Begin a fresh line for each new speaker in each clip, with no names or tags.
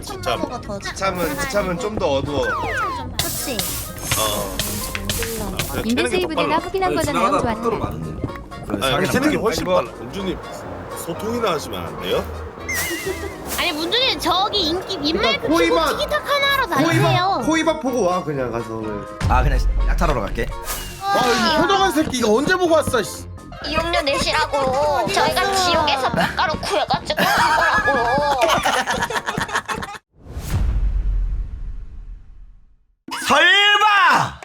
지참은 좀 더 어두워.
그치?
인벤 세이브대가 확인한 거잖아요. 좋았네.
아니 캐는 게 훨씬 빨라. 문주님 소통이나 하시면 안 돼요?
아니 문준이 저기 인기 민마이크 키고
코이만-
티키타카 하러 다니세요.
코이밥 보고 와 그냥 가서.
아 그냥 약탈하러 갈게.
이 효정한 새끼 이거 언제 보고 왔어?
6년 내시라고 저희가 지옥에서 깎아로 구해가지고 한 거라고.
설마!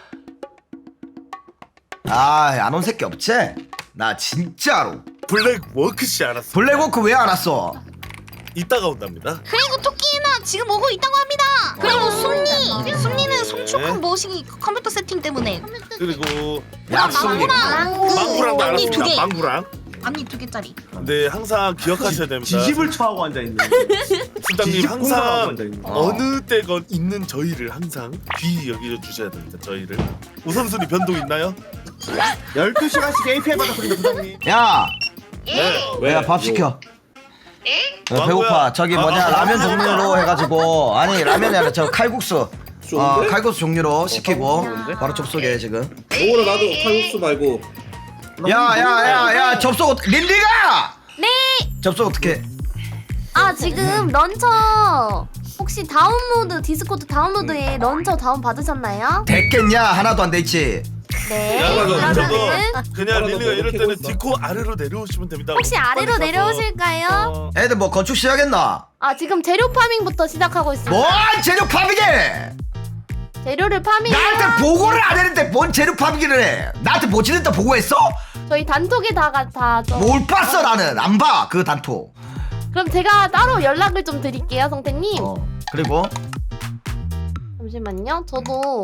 안 온 새끼 없지? 나 진짜로.
블랙 워크씨 알았어.
블랙워크 왜 알았어?
이따가 온답니다.
그리고 토끼나 지금 오고 있다고 합니다. 그리고 숨니는 송출컴 모시기 컴퓨터 세팅 때문에.
그리고
약속이.
망구랑도
언니 두
알았습니다.
개.
망구랑.
앞니 2개짜리.
근데 항상 기억하셔야 됩니다.
지집을 처하고 앉아 있는.
수장님
지집 공부하고
항상
앉아 있는.
어느 때건 있는 저희를 항상 귀히 여겨 주셔야 됩니다. 저희를. 우선순위 변동 있나요?
12시간씩 API 받아 그린다 부장님.
야!
네.
야 밥 시켜.
망고야.
배고파. 저기 뭐냐 라면 종류로 해가지고 아니 라면이 아니라 저 칼국수. 칼국수 종류로 시키고 바로 접속해 지금.
오늘 나도 칼국수 말고
야야야야 접속 린디가.
네.
접속 어떻게?
아 지금 런처 혹시 다운로드 디스코드 다운로드에 런처 다운 받으셨나요?
됐겠냐 하나도 안 돼 있지.
네.
야,
그러면은
그냥 릴리가 이럴
이렇게
때는
해보자.
디코 아래로 내려오시면 됩니다.
혹시 아래로
빨리 가서.
내려오실까요?
애들 뭐 건축 시작했나?
아 지금 재료 파밍부터 시작하고 있습니다.
뭔 재료 파밍해?
재료를 파밍.
나한테 보고를 안 했는데 뭔 재료 파밍을 해? 나한테 뭐 지냈다 보고했어?
저희 단톡에 다 저.
뭘 봤어 나는 안 봐 그 단톡.
그럼 제가 따로 연락을 좀 드릴게요, 성태님.
그리고
잠시만요. 저도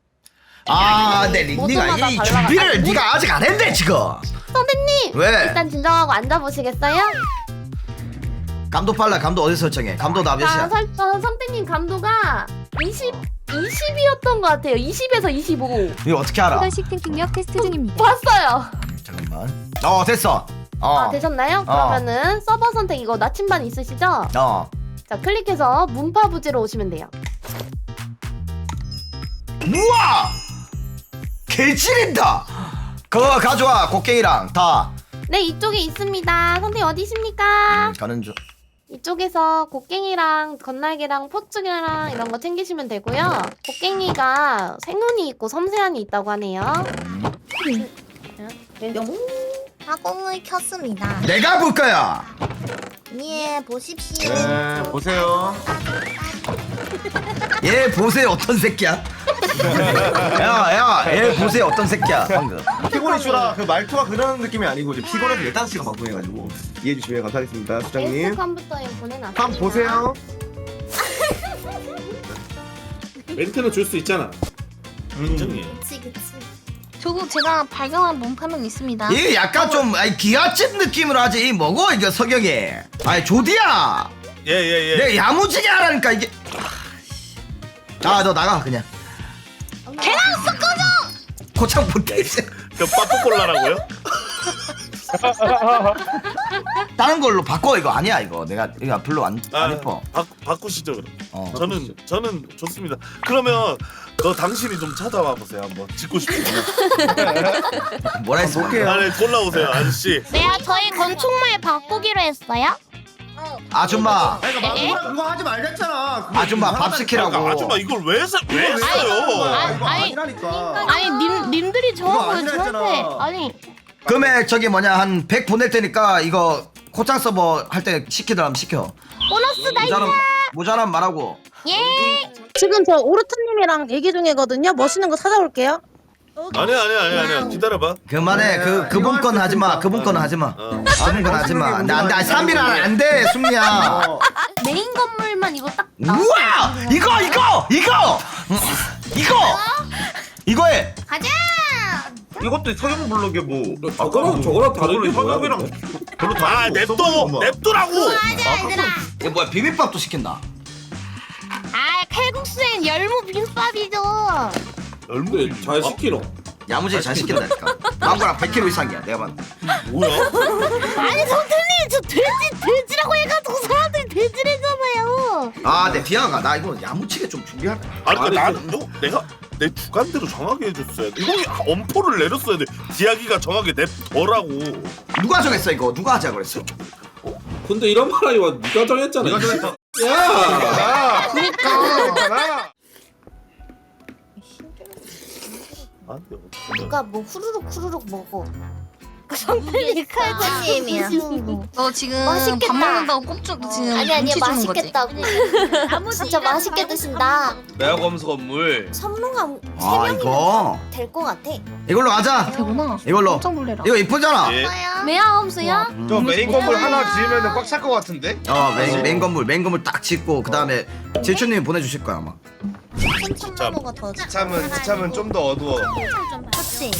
내 린디가
모두마다
이
달라가-
준비를
아니,
네가 아직 안 했네 지금.
성태님.
왜?
일단 진정하고 앉아 보시겠어요?
감도 빨라. 감도 어디 설정해? 감도 나 몇이야?
성태님 감도가 20이었던 것 같아요. 20에서 25.
이거 어떻게 알아?
수단식 탱킹력 테스트 중입니다.
봤어요.
잠깐만. 됐어.
아 되셨나요? 그러면은 서버 선택 이거 나침반 있으시죠? 자 클릭해서 문파부지로 오시면 돼요.
우와! 개지린다. 그거 가져와 곡괭이랑 다.
네 이쪽에 있습니다. 선생님 어디십니까?
가는 중.
이쪽에서 곡괭이랑 건날개랑 포츠랑 이런 거 챙기시면 되고요. 곡괭이가 생운이 있고 섬세한이 있다고 하네요.
가공을 켰습니다.
내가 볼 거야.
예 보십시오.
네 보세요.
얘 보세요 어떤 새끼야? 얘 보세요 어떤 새끼야 방금.
피곤해주라 그 말투가 그런 느낌이 아니고 이제 피곤해서 15시간 방송해가지고 이해해 주시면 감사하겠습니다 수장님.
페이스 컴퓨터에 보내놨습니다.
한번 보세요.
멘트는 줄 수 있잖아.
인정이에요.
그치. 저거 제가 발견한 몸파면 있습니다.
이게 약간 좀 기아집 느낌으로 하지. 이 뭐고 이게 석영이. 조디야.
예예예.
내가 야무지게 하라니까 이게. 너 나가 그냥.
걔랑 섞어줘.
고창 못해.
저 빠뽀골라라고요?
다른 걸로 바꿔. 이거 아니야 이거. 내가 이거 별로 안 예뻐.
바꾸시죠 그럼. 저는 좋습니다. 그러면 당신이 좀 찾아와 보세요 한번. 짓고 싶으면.
뭐라 했어?
아니 골라오세요 아저씨.
네 저희 건축물 바꾸기로 했어요.
아줌마.
그거 하지 말랬잖아.
아줌마 밥 시키라고.
아줌마 이걸 왜 써요?
이거
아니,
아니라니까.
아니 님들이 저거
아니라
저한테
했잖아.
아니
금액 저기 뭐냐 한 100 보낼 테니까 이거 코창 서버 할 때 시키더라면 시켜.
보너스 다이아.
모자란 말하고.
예.
지금 저 오르트님이랑 얘기 중이거든요. 멋있는 거 찾아올게요.
아니야 기다려봐.
그만해. 그분 건 하지 마. 그분 거는 하지 마. 그분 건 하지 마. 나 3일 안 돼, 승리야.
메인 건물만 이거 딱.
우와! 이거 해.
가자.
이것도 서경 블록에 뭐
저거랑 다른 게 뭐야?
서경이랑 별로 다른 거 없어,
냅두라고.
가자 얘들아.
이거 뭐야? 비빔밥도 시킨다.
아 칼국수엔 열무 비빔밥이죠.
근데 잘 시키노.
야무지게 잘 시킨다니까. 망고랑 100kg 이상이야. 내가 봤는데.
뭐야?
아니 선생님 저 돼지라고 해가지고 사람들이 돼지래잖아요.
아, 내 디아가 나 이거 야무치게 좀 준비할까?
아니 그러니까
아니,
나는 내가 내 주관대로 정하게 해줬어야 돼. 이거 엄포를 내렸어야 돼. 디아기가 정하게 냅더라고.
누가 정했어 이거? 누가 하자 그랬어?
근데 이런 말하기 와 네가 정했잖아.
네가 정했어.
야.
그니까.
누가 뭐 후루룩 먹어.
성필이 칼군님이야. 너 지금
맛있겠다.
밥 먹는다고 꼽주 지금
아니
눈치 주는 거지?
맛있겠다고. 진짜 맛있게 드신다.
내가 검수 건물.
선물감
아, 이거
될것 같아.
이걸로 하자.
되구나.
이걸로.
깜짝 놀래라.
이거 이쁘잖아.
예.
매야 험수야?
저 메인 건물 하나 지으면 꽉 찰 것 같은데?
메인 건물 딱 짓고 그 다음에 제추님이 보내주실 거야 아마.
춘천나무가 더
지참은 좀 더 어두워.
좋지.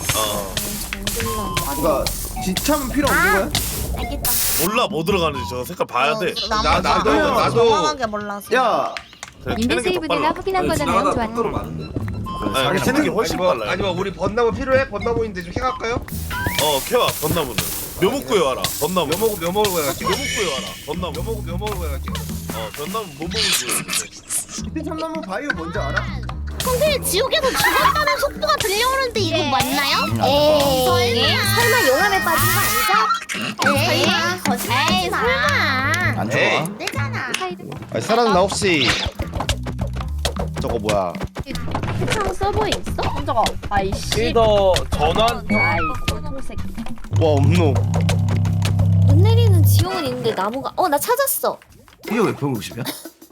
그러니까 지참 필요 없는 거야?
알겠다.
몰라 뭐 들어가는지 저 색깔 봐야 돼.
나도
정확하게 몰라서.
야,
그냥
인벤
캐는 게
세이브
더
내가
빨라.
확인한 거잖아 영
지나가다 턱걸어
좋았다.
많은데.
아니 캐는 게 훨씬 빨라요.
아니면 우리 벚나무 필요해? 벚나무인데 좀 해갈까요?
캐와 벚나무는 묘목 구해와라. 벚나무.
묘목을 구해갈게.
묘목 구해와라. 벚나무.
묘목을 구해갈게.
벚나무 뭐 먹을
참나무 바이오 뭔지 알아?
근데 지옥에서 죽었다는 속보가 들려오는데 이거 맞나요?
에이, 설마 용암에 빠진 거 아니죠? 에이, 거짓말하지 마.
안 좋아.
에이.
되잖아.
사람 나 혹시 저거 뭐야?
세상 서버에 있어? 저거. 아이씨.
필더 전원?
아이, 꼴통새끼.
와 없노.
눈 내리는 지옥은 있는데 나무가. 나 찾았어.
이게 왜 150이야?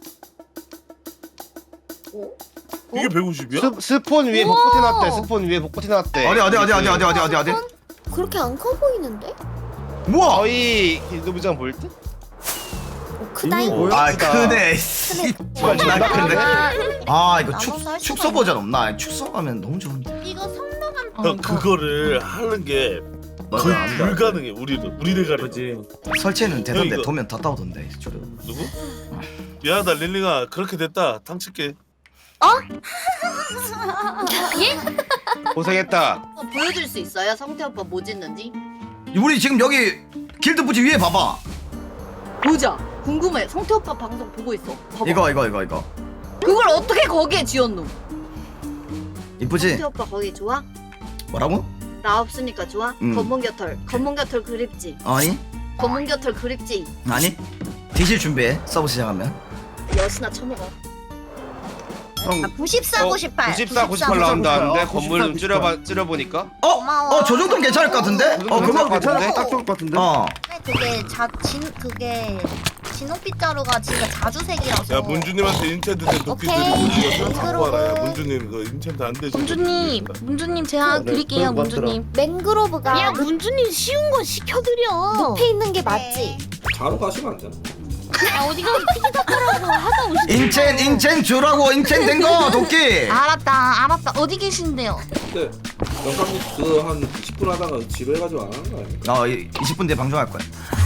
이게 150이야?
스폰 위에
우와.
복붙이 났대. 스폰 위에 복붙이 났대.
어디?
그렇게 안 커 보이는데?
우와!
거의 길도부장 보일 듯?
크다잉.
아 크네. 존나 크네. 아 이거
나무
축소 버전 없나? 축소하면 너무 좋은데.
이거 성노감.
형 그거를 하는 게 거의 불가능해. 우리 대가리.
설치는 되던데
이거-
도면 다 따오던데. 저래.
누구? 미안하다 릴링아 그렇게 됐다. 탕칠게.
고생했다.
보여줄 수 있어요? 성태 오빠 뭐 짓는지?
우리 지금 여기 길드 부지 위에 봐봐.
보자. 궁금해. 성태 오빠 방송 보고 있어. 봐봐.
이거.
그걸 어떻게 거기에 지었노?
이쁘지?
성태 오빠 거기 좋아?
뭐라고?
나 없으니까 좋아? 검은 곁털 그립지.
아니?
검은 곁털 그립지.
아니? 뒤질 준비해. 서브 시작하면.
여신아 처먹어.
형
94, 98.
94, 98 나온다는데
94,
건물 좀 줄여보니까.
고마워.
저 정도는 괜찮을 것 같은데?
그거
괜찮아. 딱 좋을 것 같은데.
그게 진홍빛자루가 진짜 자주색이라서.
야 문주님한테 인챈트 된 도끼들이
오케이.
이거 갖고 와라. 야 문주님 그 인챈트 안 되지.
문주님 제가 드릴게요 문주님.
맹그로브가
야 문주님 쉬운 거 시켜드려.
높이 있는 게 맞지?
바로 가시면 안 되나?
야 어디가 티키타카라고 하다 오시.
인첸 주라고 인첸 된 거 도끼.
알았다. 어디 계신데요?
근데 영상 그한 10분 하다가 지루해가지고 안 하는 거 아니야?
20분 뒤에 방송할 거야.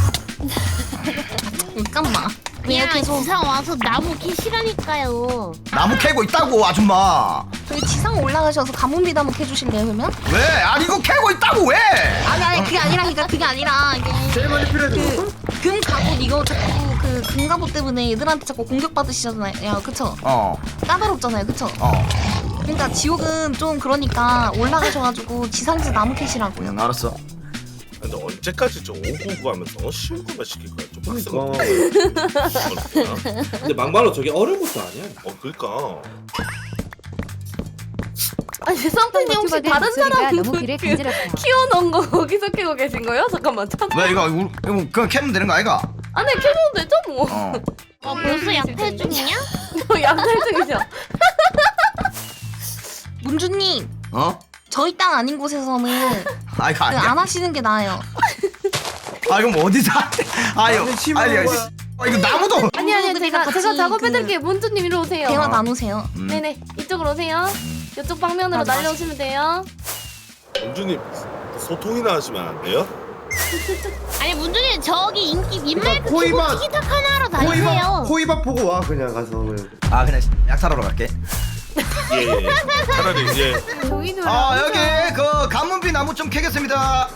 잠깐만. 왜 계속
지상 와서 나무 캐시라니까요.
나무 캐고 있다고 아줌마.
저희 지상 올라가셔서 가뭄비 다목 해주실래요 그러면?
왜? 아니 이거 캐고 있다고 왜?
아니 그게 아니라 이게
제일 많이 필요해.
금 갑옷 이거 자꾸 그 금 갑옷 때문에 애들한테 자꾸 공격 받으시잖아요 그쵸? 까다롭잖아요 그쵸? 그러니까 지옥은 좀 그러니까 올라가셔가지고 지상에서 나무 캐시라고요.
알았어.
근데 언제까지 저 오고오고 하면서 쉬운 거만 시킬 거야? 좀 빡센 거.
근데 막말로 저게 어려운 것도 아니야.
그러니까.
아니 성태님 혹시
유튜버들
다른
목소리가
사람
너무 귀를 간지럽다.
키워놓은 거 거기서 캐고 계신 거예요? 잠깐만 찾아.
왜 이거 그냥 캐면 되는 거 아이가?
아니 캐도 되죠 뭐.
벌써 약탈 중이냐?
양탈 중이죠.
문주님 저희 땅 아닌 곳에서는
아 이거 아니야.
안 하시는 게 나아요.
아 이거 뭐 어디서 아유 이거 나무도.
아니
그러니까
제가
같이
작업해드릴게요. 문주님 이리 오세요.
대화 나누세요.
네네 이쪽으로 오세요. 이쪽 방면으로
맞아.
날려오시면 돼요.
문주님 소통이나 하시면 안 돼요?
아니 문준이 저기 인기 민마이크 키고
코이만.
티키타카 하러 다니세요.
코이밥 보고 와 그냥 가서.
아 그냥 약탈하러 갈게.
예. 차라리 예.
여기 그 가문비 나무 좀 캐겠습니다.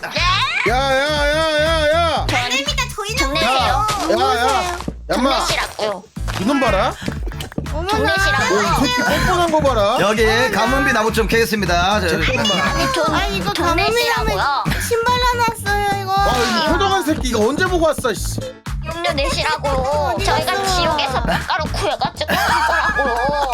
야야야야야.
저희는
정내세요.
야야. 얌마.
정내시라고요.
이놈 봐라. 뻔뻔한 거 봐라.
여기 가문비 나무 좀 캐겠습니다.
이거 동네시라고요.
신발 나놨어요 이거.
이 효동한 새끼 이거 언제 보고 왔어? 씨.
용료 내시라고. 저희가 지옥에서 깎아로 구해가지고 한 거라고.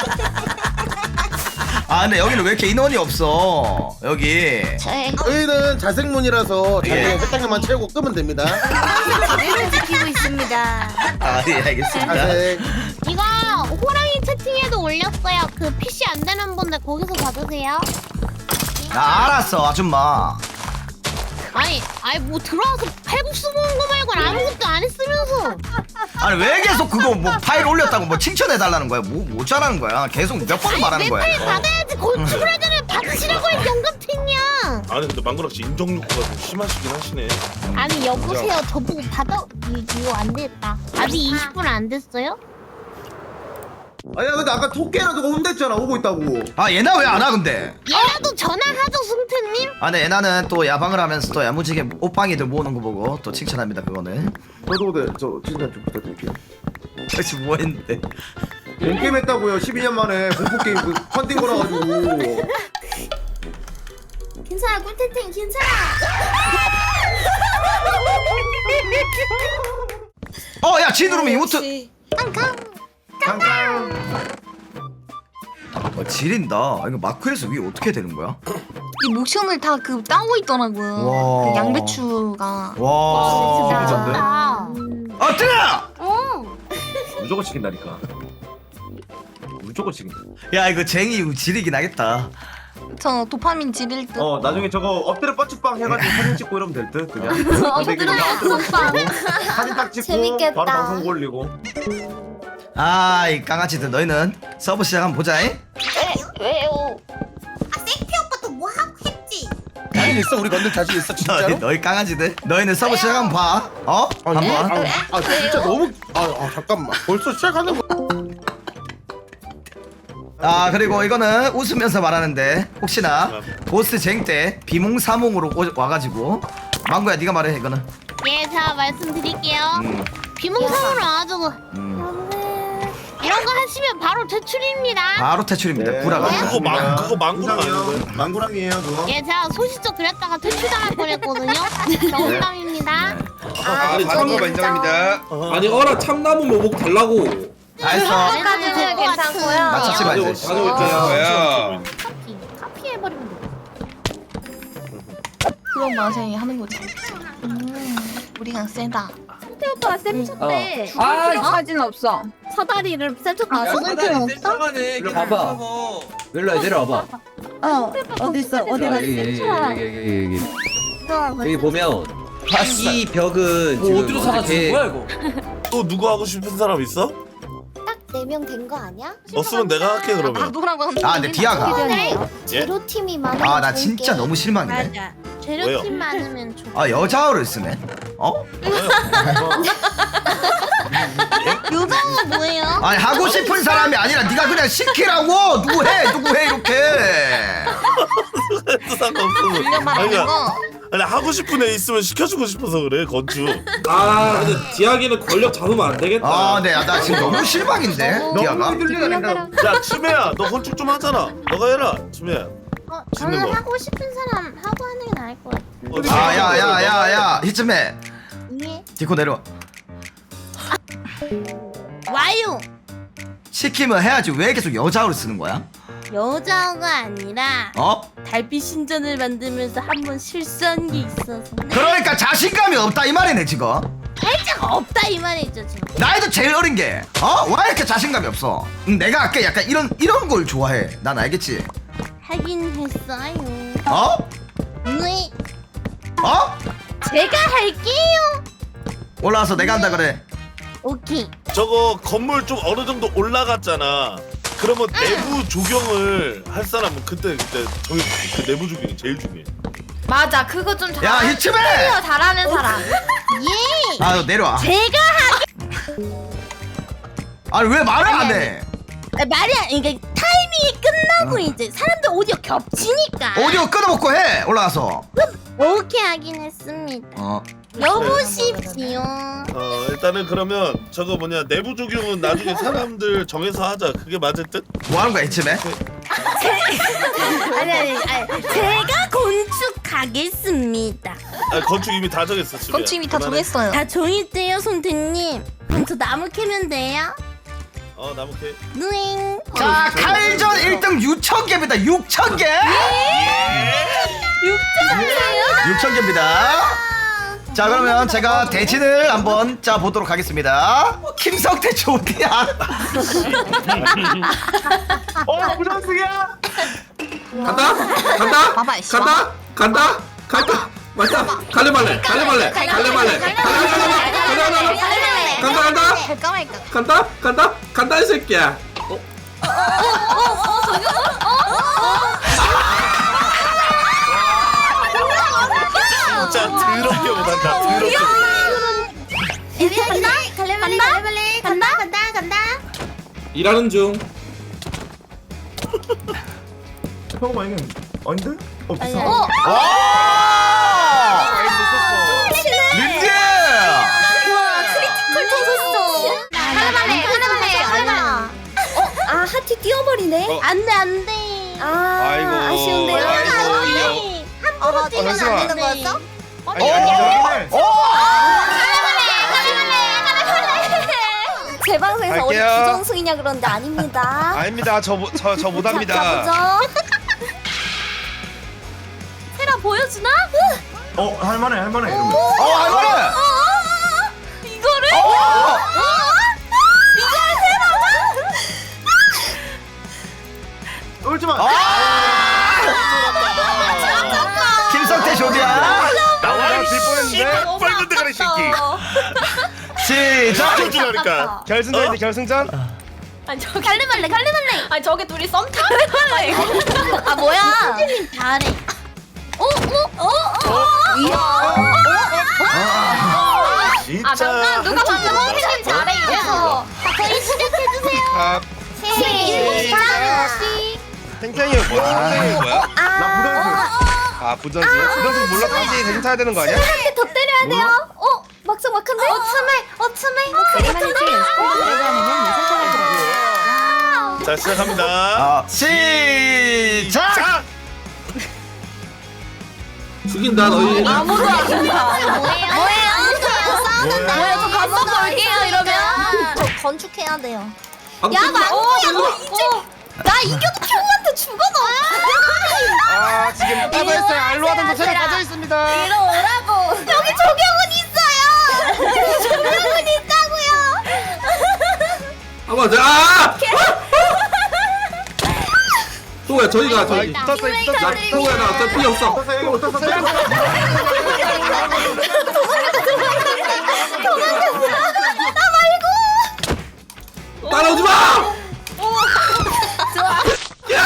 아 근데 여기는 왜 이렇게 인원이 없어? 여기.
저희는 자생문이라서 자기
예.
혈당량만 채우고 끄면 됩니다.
자리를 지키고 있습니다.
아 예 알겠습니다.
자생.
이거 호랑이 채팅에도 올렸어요. 그 PC 안 되는 분들 거기서 받으세요.
아 알았어 아줌마.
아니 뭐 들어와서 칼국수 먹은 거 말고는 아무것도 안 했으면서.
아니 왜 계속 그거 뭐 파일 올렸다고 뭐 칭찬해 달라는 거야? 뭐 잘하는 거야? 계속 몇 번을 말하는 거야?
내 파일 받아야지. 건축을 하잖아요. 받으시라고 해 영감탱이야.
아니 근데 망그락 씨 인정 욕구가 좀 심하시긴 하시네.
아니 여보세요. 저보고 받아. 이거 안 됐다. 아직 20분 안 됐어요?
아니야 근데 아까 토끼랑 누가 혼냈잖아 오고 있다고.
아 얘나 왜 안 와 근데?
얘라도 전화하죠 승태님.
아 근데 얘나는 또 야방을 하면서 또 야무지게 옷방이들 모으는 거 보고 또 칭찬합니다 그거는.
저도 네, 저 칭찬 좀 부탁드릴게요.
도대체 뭐 했는데?
게임 했다고요. 12년 만에 공포 게임 그 펀딩 걸어가지고.
괜찮아 꿀텐텐 괜찮아.
야 지누르면 이모트.
잠깐.
지린다. 이거 마크에서 위에 어떻게 되는 거야?
이 모션을 다 그 따고 있더라고요.
와.
그 양배추가.
와.
진짜.
아 뜨나!
무조건 시킨다니까. 무조건 시킨다.
야 이거 쟁이 지리긴 하겠다.
저 도파민 지릴 듯.
나중에 저거 엎드려 뻗치빵 해가지고 사진 찍고 이러면 될 듯. 그냥.
엎드려 뻗치빵.
사진 딱 찍고
재밌겠다.
바로 방송 올리고.
아 이 강아지들 너희는 서브 시작 한번 보자.
왜요?
생피 오빠도 뭐 하고 했지?
자신 있어? 우리 건들 자신 있어 진짜로?
너희 강아지들 너희는 서브 시작 한번 봐. 한번.
진짜 너무 잠깐만 벌써 시작하는 거.
그리고 이거는 웃으면서 말하는데 혹시나 보스 쟁 때 비몽사몽으로 와가지고 망고야 네가 말해 이거는.
예, 자 말씀드릴게요. 비몽사몽으로 와가지고 이런 거 하시면 바로 퇴출입니다.
바로 퇴출입니다.
네.
구라가.
그거 망구랑 아니고요?
망구랑이에요 그거.
예, 제가 소시적 그랬다가 퇴출당할 뻔했거든요. 정답입니다.
아니 참는 거 인정합니다.
아니 어라 참나무 묘목 달라고.
알았어.
까지 괜찮고요.
맞췄지 말지.
뭐야?
카피 해버리면 돼.
그런 맛에 하는 거지. 우리가 세다.
오빠 쌤쳤대.
사진 없어.
사다리를 쌤쳤다.
수능편 없어?
봐봐.
일로 내려와봐.
어딨어? 어디 갔어?
여기 보면 이 벽은 지금
어디로 사가지고 거야 이거?
또 누구 하고 싶은 사람 있어?
딱 4명 된 거 아니야?
없으면 내가 할게 그러면.
나도라고 하는
근데 디아가.
제로팀이 많아.
나 진짜 너무 실망이네.
재료팀 많으면 좋아.
여자어를 쓰네.
여자가 뭐예요?
아니 하고 싶은 사람이 아니라 네가 그냥 시키라고. 누구 해 이렇게.
우리가 말하는 거.
아니 하고 싶은 애 있으면 시켜주고 싶어서 그래 건축.
근데 디아기는 권력 잡으면 안 되겠다.
네, 나 지금 너무 실망인데 디아가.
야 치매야 너 건축 좀 하잖아. 너가 해라 치매야. 짓는
저는
거.
하고 싶은 사람 하고 하는 게 나을 것 같은데.
야야야야야 이쯤에
예.
디코 내려와.
와요.
시키면 해야지. 왜 계속 여자어를 쓰는 거야?
여자가 아니라
어?
달빛 신전을 만들면서 한번 실수한 게 있어서
그러니까 자신감이 없다 이 말이네 지금.
살짝 없다 이 말이죠 지금.
나이도 제일 어린 게 왜 이렇게 자신감이 없어? 내가 아까 약간 이런 걸 좋아해. 난 알겠지.
하긴 했어요. 네.
제가
할게요.
올라와서 내가 한다 그래.
오케이.
저거 건물 좀 어느 정도 올라갔잖아. 그러면 내부 조경을 할 사람은 그때 저기 그 내부 조경이 제일 중요해.
맞아, 그거 좀
야 히츠맨.
잘하는 사람.
예.
너 내려와.
제가
아니 왜 말을 안 해?
말이야 이게 타이밍이 끝나고 이제 사람들 오디오 겹치니까
오디오 끊어먹고 해 올라가서.
오케이 하긴 했습니다. 여보십시오.
일단은 그러면 저거 뭐냐 내부 조경은 나중에 사람들 정해서 하자. 그게 맞을 듯?
뭐 하는 거야 이쯤에?
아니 제가 건축하겠습니다.
건축 이미 다 정했어. 지금.
건축 이미 다 정했어요.
다 정했대요 선생님. 그럼 저 나무 캐면 돼요?
나무 캐.
누잉.
자 칼전 1등 6,000개입니다. 6,000개. 6,000개입니다. 자 그러면 제가 대진을 한번 짜 보도록 하겠습니다. 김성태 조디야.
부장승이야.
간다 간다
봐봐, 이씨.
간다 간다 간다 맞다 갈래 말래 갈래 말래 갈래 말래 간다 간다
갈까 말까.
간다 간다 간다 이 새끼야.
진짜 더럽게 못한다. 더럽게.
간다.
일하는 중.
잠깐만 이건 언제? 비싸.
린지.
크리티컬 터졌어. 하나만해. 아 하트 뛰어버리네. 안돼.
아이고.
아쉬운데요. 함부로 뛰면 안 되는 거였어? 제 방송에서 어디
갈게요.
부정승이냐 그런데 아닙니다.
아닙니다. 저 못합니다.
가보죠. 세라 보여주나?
할만해 이러면.
할만해.
이거를? 이거를
울지 마.
김성태 조디야.
나와
질 뻔했는데.
빨간 대가리 새끼.
시작.
쳐주라니까.
결승전인데 결승전?
갈래 말래. 아니 저게 둘이 썸 타는 거야. 아 뭐야? 선생님 잘해.
진짜.
잠깐 누가 방금 선생님 잘해 이래서 저희 시작해주세요.
아,
시작.
탱탱이 뭐야?
나 부장승.
부전승 몰라 다시 대신 타야 되는 거 아니야?
한대 더 때려야 돼요. 막상막한데? 어참해.
자 시작합니다.
시작.
자.
죽인다 너희.
아무도 안 된다. 뭐예요? 뭐야? 저 감독 올게요 이러면. 저 건축해야 돼요. 야 망고야 너 이제 나 이겨도 형한테 죽어 너.
아, 지금 빠져있어요. 알로 하던 도체를 빠져있습니다.
이리 오라고. 여기 조경은 있어요. 조경은 있다고요.
아 맞아. 또야 저희가 저희. 나 또야 나 어차피 필요 없어. 따라오지 마.
야.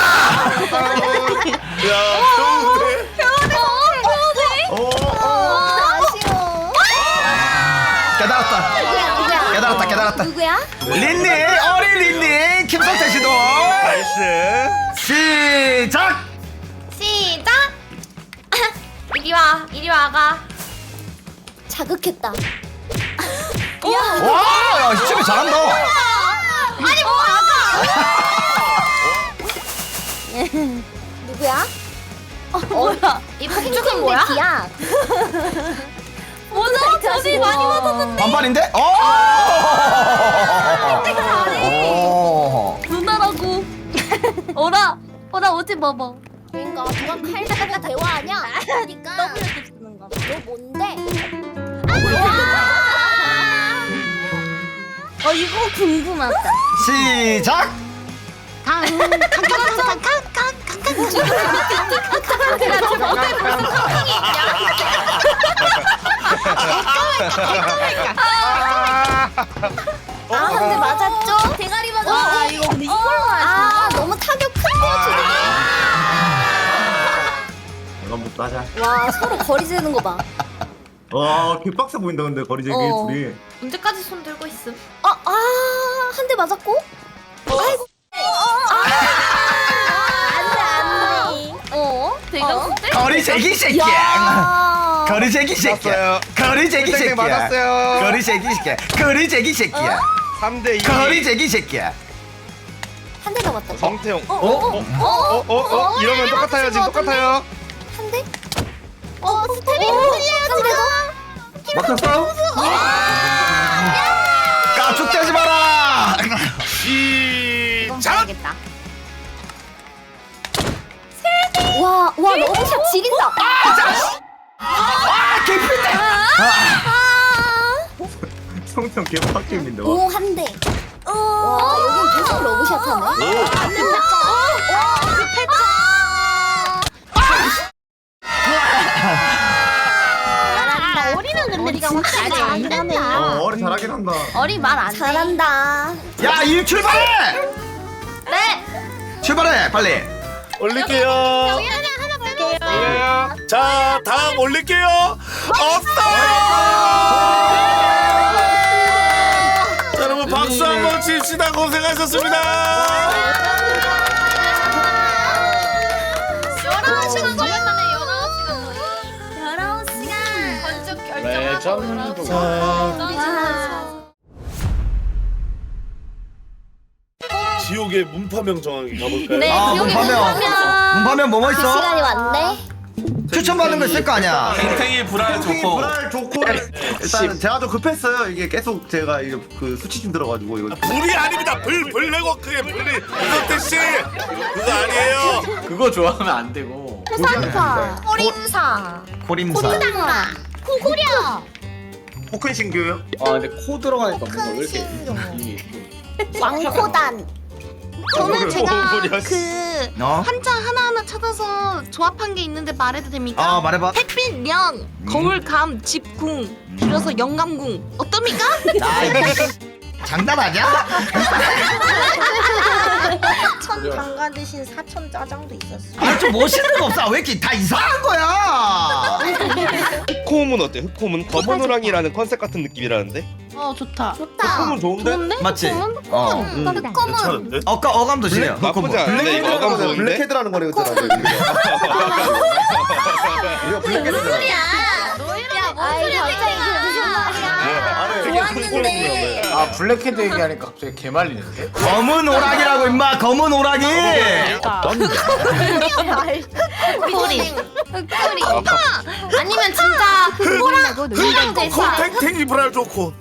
깨달았다.
누구야?
린니 어린 린니 김성태 씨도
나이스.
시작.
이리 와가. 자극했다.
와, 진짜 잘한다.
아니 뭐 아가. 누구야? 뭐야? 이 폭죽은 뭐야? 기야. 뭐죠? 저기 많이 맞았는데.
반반인데?
누나라고. 어라 오지 봐봐. 그러니까 누가 칼 잡고 대화하냐? 그러니까 W 쓰는 거. 너 뭔데? 이거 궁금하다.
시작.
근데 맞았죠? 대가리 맞았어. 이거 근데 이걸로 하지. 너무 타격 큰데요, 지금.
이건 못 따자.
와, 서로 거리 재는 거 봐.
와, 개빡세 보인다 근데 거리 재기 둘이.
언제까지 손 들고 있음? 한 대 맞았고? 아이고.
거리새끼 새끼야. 거리새끼 새끼야. 거리새끼 새끼야.
맞았어요.
거리새끼 새끼야. 거리새끼 새끼야.
3대2.
거리새끼 새끼야.
한 대 남았다.
정태용.
이러면
똑같아요. 지금 똑같아요.
한 대? 스텝이 틀려요 지금.
막혔어?
까죽대지 마라.
시작.
와 러브샷 지린다.
개피대.
성태형 개빡겜인데.
오 한 대. 와 여긴 계속 러브샷 하네.
어리는 근데 진짜 안 된다.
어리 잘하긴 한다.
어리 말 안 잘한다.
야, 일 출발해.
네.
출발해, 빨리.
올릴게요.
하나 빼놓을게요.
자, 다음 올릴게요. 없어요. 자, 여러분 박수 한번 칩시다. 고생하셨습니다.
19시간 걸렸다네.
19시간.
건축 결정하고.
지옥의 문파명 정하기 가볼까요?
네. 지옥의
문파면 뭐뭐 있어?
시간이 왔네.
추천받는 거 있을 거 아니야.
탱탱이 불알 좋고.
불알 좋고. 일단 제가 좀 급했어요. 이게 계속 제가 이거 그 수치 좀 들어가지고 이거.
불이 아닙니다. 불내고크의 불이 이석태 씨 그거 아니에요.
그거 좋아하면 안 되고.
부산파. 호림사.
고림사.
호당마.
코리아.
포큰 신규요?
아 근데 코 들어가니까 뭔가 왜 이렇게
왕코단.
저는 제가
뭐야,
그
어?
한자 하나하나 찾아서 조합한 게 있는데 말해도 됩니까?
아, 말해봐.
햇빛 명, 거울감, 집궁, 줄여서 영감궁 어떻습니까?
나 이거 장난하냐?
사천 방가 대신 사천 짜장도 있었어.
아, 좀 멋있는 거 없어. 왜 이렇게 다 이상한 거야?
흑홈은 어때? 흑홈은 검은 호랑이라는 컨셉 같은 느낌이라는데?
좋다.
좋다.
흑홈은 좋은데?
맞지? 어.
괜찮은데?
어감도 지네요.
나쁘지 않은데 이거 어감 좋은데?
블랙헤드라는 거네 그랬잖아. 이거 블랙헤드.
야, 뭔 소리야? 갑자기 무슨 말이야? 좋았는데.
아 블랙헤드 얘기하니까 갑자기 개 말리는데?
검은 오락이라고 임마. 검은 오락이.
흑꼬리. 아니면 진짜 호랑 호랑 대신
탱탱이 불알 좋고.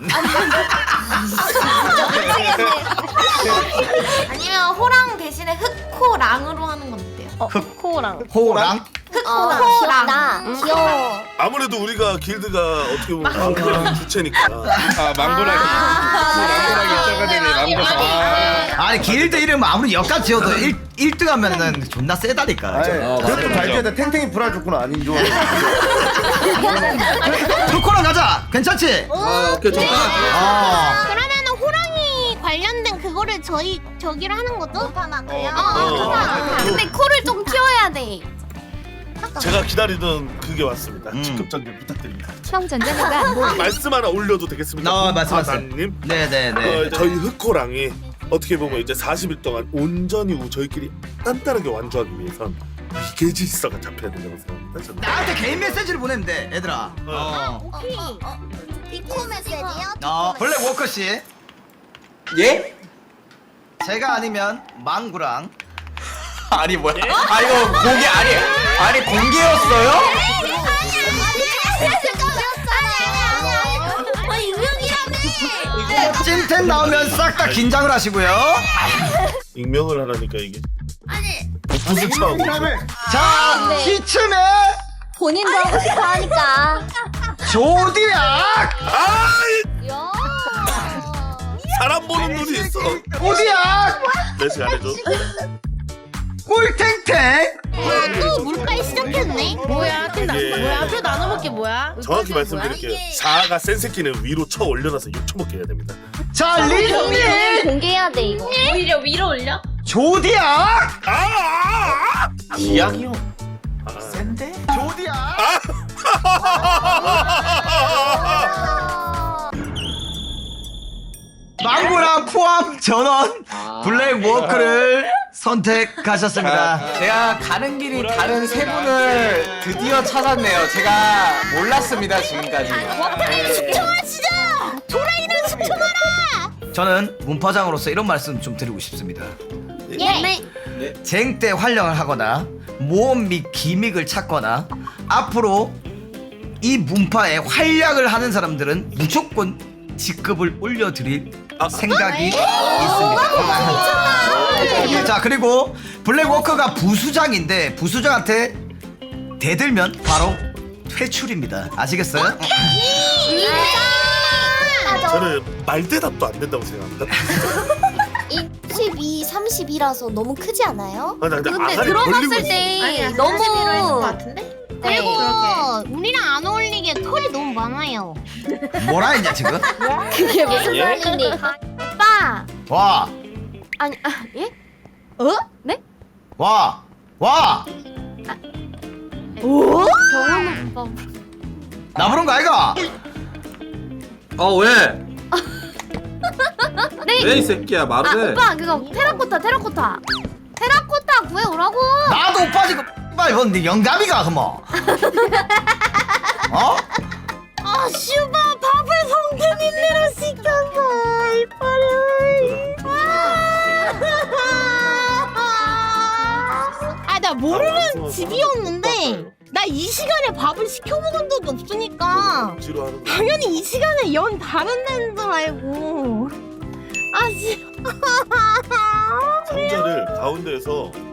아니면 호랑 대신에 흑코랑으로 하는 건 어때요?
흑코랑.
호랑.
흑코랑. 귀여워.
아무래도 우리가 길드가 어떻게 보면 그 주체니까.
아 망고라기. 망고라기 입자가 되네 망고.
아니 길드 이름 아무리 역같이 지어도 1등 하면은 존나 세다니까.
그래도 발표했는데 탱탱이 불알 좋구나 아닌 줄.
토코랑 가자. 괜찮지?
아 오케이 좋다.
아.
그러면은 호랑이 관련된 그거를 저기로 하는 거죠?
근데 코를 좀 키워야 돼.
제가 기다리던 그게 왔습니다. 직급 전개 부탁드립니다.
형 전자녀가 안 보여.
말씀 하나 올려도 되겠습니까?
말씀하세요.
님
네네네.
저희 흑호랑이 어떻게 보면 이제 40일 동안 온전히 저희끼리 단단하게 완주하기 위해선 개질서가 잡혀야 된다고 생각합니다. 저는.
나한테 개인 메시지를 보내면 돼, 얘들아.
비코 메시지요?
블랙 워커 씨,
예?
제가 아니면 망구랑.
아니 뭐야? 아 이거 공개 아니 공개였어요?
찐텐 나오면 싹 다 긴장을 하시고요.
익명을 하라니까 이게. 무슨 차고?
자, 이쯤에
본인도 하고 싶어 하니까.
조디악.
사람 보는 눈이 있어.
조디악.
내식 안 해줘.
꿀탱탱.
또 물가에 시작했네. 뭐야? 뭐야? 표 나눠먹기 뭐야?
정확히 말씀드릴게요. 사가 센 새끼는 위로 쳐 올려놔서 6초 먹게 해야 됩니다.
자, 린니.
공개해야 돼 이거.
오히려 위로 올려?
조디악.
기약이 형.
센데?
조디악. 망구랑 포함 전원 블랙 워커를 선택하셨습니다.
제가 가는 길이 다른 세 분을 드디어 찾았네요. 제가 몰랐습니다 지금까지.
저는 문파장으로서 이런 말씀 좀 드리고 싶습니다.
예.
쟁때 활용을 하거나 모험 및 기믹을 찾거나 앞으로 이 문파에 활약을 하는 사람들은 무조건 직급을 올려드릴 생각이 있습니다. 자, 그리고 블랙워커가 부수장인데 부수장한테 대들면 바로 퇴출입니다. 아시겠어요?
저는 말대답도 안 된다고 생각합니다.
22, 32라서 너무 크지 않아요?
아, 나
근데
아가리 벌리고
들어갔을
있어.
때
너무
너무
같은데?
네,
그리고
그러게.
우리랑 안 어울리게 털이 너무 많아요.
뭐라 했냐 지금?
그게 무슨
예?
말이니?
오빠.
와!
아니 예?
와! 와!
경험은 오빠.
나 부른 거 아이가?
왜? 왜 이 새끼야 말을 해?
오빠 그거 테라코타 구해오라고.
나도 오빠 지금 빨리 뭔데 영감이가 그뭐? 어?
아 슈바 밥을 성태민네로 시켰어 이빨을. 나 모르는 집이었는데 나 이 시간에 밥을 시켜 먹은 적이 없으니까
지루하는 거.
당연히 이 시간에 연 다른 데인 줄 알고. 아 씨.
상자를 가운데에서